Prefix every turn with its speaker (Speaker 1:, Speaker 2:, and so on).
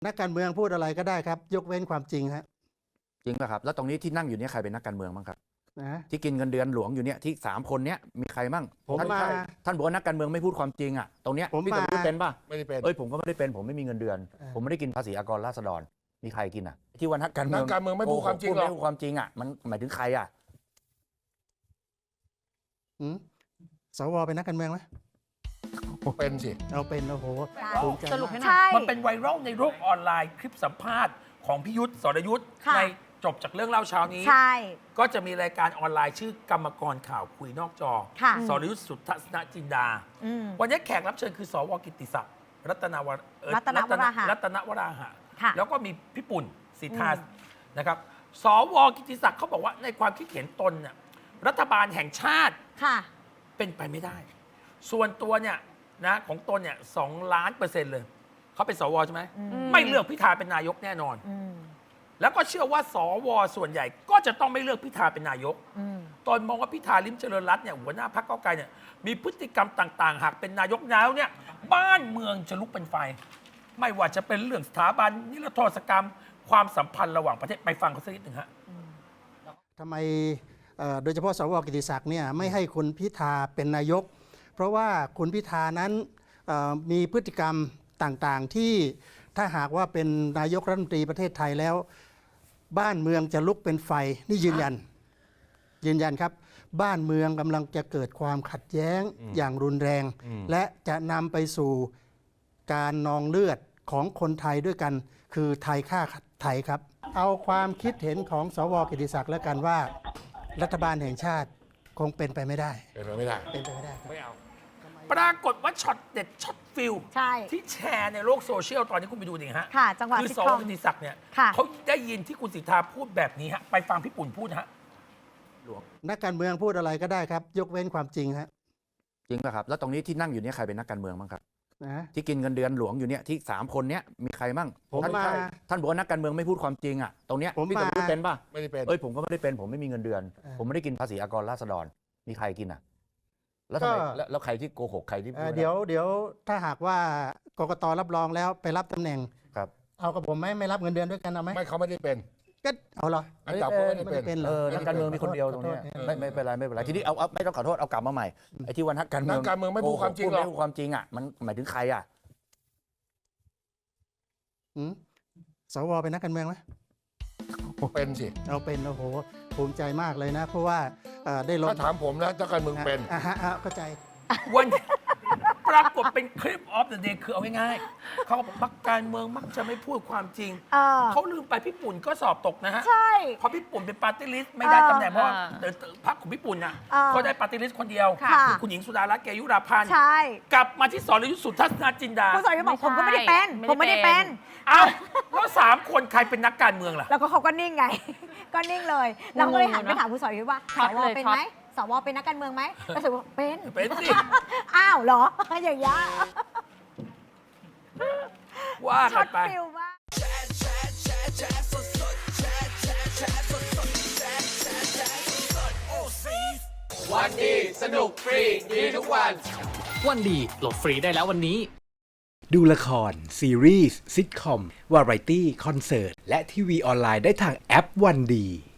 Speaker 1: นักการเมืองพูดอะไรก็ได้ครับยกเว้นความจริงฮะ
Speaker 2: จริงป่ะครับแล้วตรงนี้ที่นั่งอยู่เนี่ยใครเป็นนักการเมืองบ้างครับ
Speaker 1: นะ
Speaker 2: ที่กินเงินเดือนหลวงอยู่เนี่ยที่3 คนเนี้ยมีใครบ้าง
Speaker 1: ผมมา
Speaker 2: ท่านบอกว่านักการเมืองไม่พูดความจริงอ่ะตรงเนี้ยพี่สมรู้เป็นป่ะ
Speaker 3: ไม่ได้เป็น
Speaker 2: ผมก็ไม่ได้เป็นผมไม่มีเงินเดือนผมไม่ได้กินภาษีอากรราษฎรมีใครกินอ่ะที่ว่านักการเมือง
Speaker 3: ไม่พูดความจริงหรอก
Speaker 2: ไม่พูดความจริงอ่ะมันหมายถึงใครอ่ะ
Speaker 1: สวเป็นนักการเมืองไหม
Speaker 3: เป็นสิ
Speaker 1: เอาเป็นโอ้โห
Speaker 4: สรุปให้หน่อยมันเป็นไวรัลในโลกออนไลน์คลิปสัมภาษณ์ของพิยุทธ์สรยุทธ์ในจบจากเรื่องเล่าเช้านี้ก็จะมีรายการออนไลน์ชื่อกรรมกรข่าวคุยนอกจอสรยุทธ์สุทัศนจินดาวันนี้แขกรับเชิญคือสวกิตติศักดิ์รัตนวราหะแล้วก็มีพี่ปุ่นสิทธานะครับสวกิตติศักดิ์เขาบอกว่าในความคิดเห็นตนเนี่ยรัฐบาลแห่งชาติเป็นไปไม่ได้ส่วนตัวเนี่ยนะของตนเนี่ย2,000,000%เลยเขาเป็นสวใช่ไหมไม่เลือกพิธาเป็นนายกแน่นอนแล้วก็เชื่อว่าสวส่วนใหญ่ก็จะต้องไม่เลือกพิธาเป็นนายกตนมองว่าพิธาลิ้มเจริญรัตน์เนี่ยหัวหน้าพรรคก้าวไกลเนี่ยมีพฤติกรรมต่างๆหากเป็นนายกแล้วเนี่ยบ้านเมืองจะลุกเป็นไฟไม่ว่าจะเป็นเรื่องสถาบันนิรโทษกรรมความสัมพันธ์ระหว่างประเทศไปฟังเขาสักนิดหนึ่งฮะ
Speaker 1: ทำไมโดยเฉพาะสวกิติศักดิ์เนี่ยไม่ให้คุณพิธาเป็นนายกเพราะว่าคุณพิธานั้นมีพฤติกรรมต่างๆที่ถ้าหากว่าเป็นนายกรัฐมนตรีประเทศไทยแล้วบ้านเมืองจะลุกเป็นไฟนี่ยืนยันครับบ้านเมืองกำลังจะเกิดความขัดแย้งอย่างรุนแรงและจะนำไปสู่การนองเลือดของคนไทยด้วยกันคือไทยฆ่าไทยครับเอาความคิดเห็นของสวกิติศักดิ์แล้วกันว่ารัฐบาลแห่งชาติคงเป็นไปไม่ได้
Speaker 3: เป็นไปไม่ได้
Speaker 4: ไม่เอาปรากฏว่าช็อตเด็ดช็อตฟิลที่แชร์ในโลกโซเชียลตอนนี้คุณไปดูดิฮะคือสวกิติศักดิ์เนี่ยเขาได้ยินที่คุณสิทธาพูดแบบนี้ฮะไปฟังพี่ปุ่นพูดฮะ
Speaker 1: นักการเมืองพูดอะไรก็ได้ครับยกเว้นความจริงฮะ
Speaker 2: จริงป่ะครับแล้วตรงนี้ที่นั่งอยู่เนี่ยใครเป็นนักการเมืองบ้างครับที่กินเงินเดือนหลวงอยู่เนี่ยที่3 คนเนี้ยมีใครบ้างท่านบอกว่านักการเมืองไม่พูดความจริงอ่ะตรงเนี้ยพี่สมรู้เป็นป่ะ
Speaker 3: ไม่ได้เป็น
Speaker 2: ผมก็ไม่ได้เป็นผมไม่มีเงินเดือนผมไม่ได้กินภาษีอากรราษฎรมีใครกินอ่ะแล้วทำไมแล้วใครที่โกหกใครที่
Speaker 1: เดี๋ยวถ้าหากว่ากกตรับรองแล้วไปรับตำแหน่ง
Speaker 2: ครับ
Speaker 1: เอากับผมไหมไม่รับเงินเดือนด้วยกันเอาไหม
Speaker 3: ไม่เขาไม่ได้เป็น
Speaker 1: ก็เอาเหรอ
Speaker 3: อันดับเขาไม่ได้เป็น
Speaker 2: นักการเมืองมีคนเดียวตรงนี้ไม่เป็นไรทีนี้เอาไม่ต้องขอโทษเอากลับมาใหม่ไอ้ที่วันนักการเมื
Speaker 3: องไม่พูดความจริงหรอก
Speaker 2: ไม่พูดความจริงอ่ะมันหมายถึงใครอ่ะ
Speaker 1: สวเป็นนักการเมืองไหม
Speaker 3: เป็นสิ
Speaker 1: เอาเป็นโอ้โหภูมิใจมากเลยนะเพราะว่าได้ลง
Speaker 3: ถ้าถามผมนะนักการเมืองเป็น
Speaker 1: เข้าใจ
Speaker 4: วันปรากฏเป็นคลิปออฟเดอะเดย์คือเอาง่ายๆเขาบอกนักการเมืองมักจะไม่พูดความจริงเขาลืมไปพี่ปุ่นก็สอบตกนะฮะ
Speaker 5: ใช่
Speaker 4: เพราะพี่ปุ่นเป็นปาร์ตี้ลิสต์ไม่ได้ตำแหน่งเพราะพรรคของพี่ปุ่นน่ะเขาได้ปาร์ตี้ลิสต์คนเดียวคือคุณหญิงสุดารัตน์เกยุราพันธ์กลับมาที่สรยุทธสุทัศนจินดา
Speaker 5: คุณสรยุทธบอกผมก็ไม่ได้เป็น
Speaker 4: อ้าวแล้ว3 คนใครเป็นนักการเมืองล่ะ
Speaker 5: แล้วก็เขาก็นิ่งไงก็นิ่งเลยเราก็เลยหันไปถามคุณสรยุทธว่าสวเป็นไหมสวเป็นนักการเมืองไหมก็สรยุทธ
Speaker 4: เป็นสิ
Speaker 5: อ้าวเหรออย่างเงี้ย
Speaker 4: ว่ากันไป
Speaker 6: วันดีสนุกฟรีดีทุกวัน
Speaker 7: วันดีโหลดฟรีได้แล้ววันนี้
Speaker 8: ดูละครซีรีส์ซิทคอมวาไรตี้คอนเสิร์ตและทีวีออนไลน์ได้ทางแอปวันดี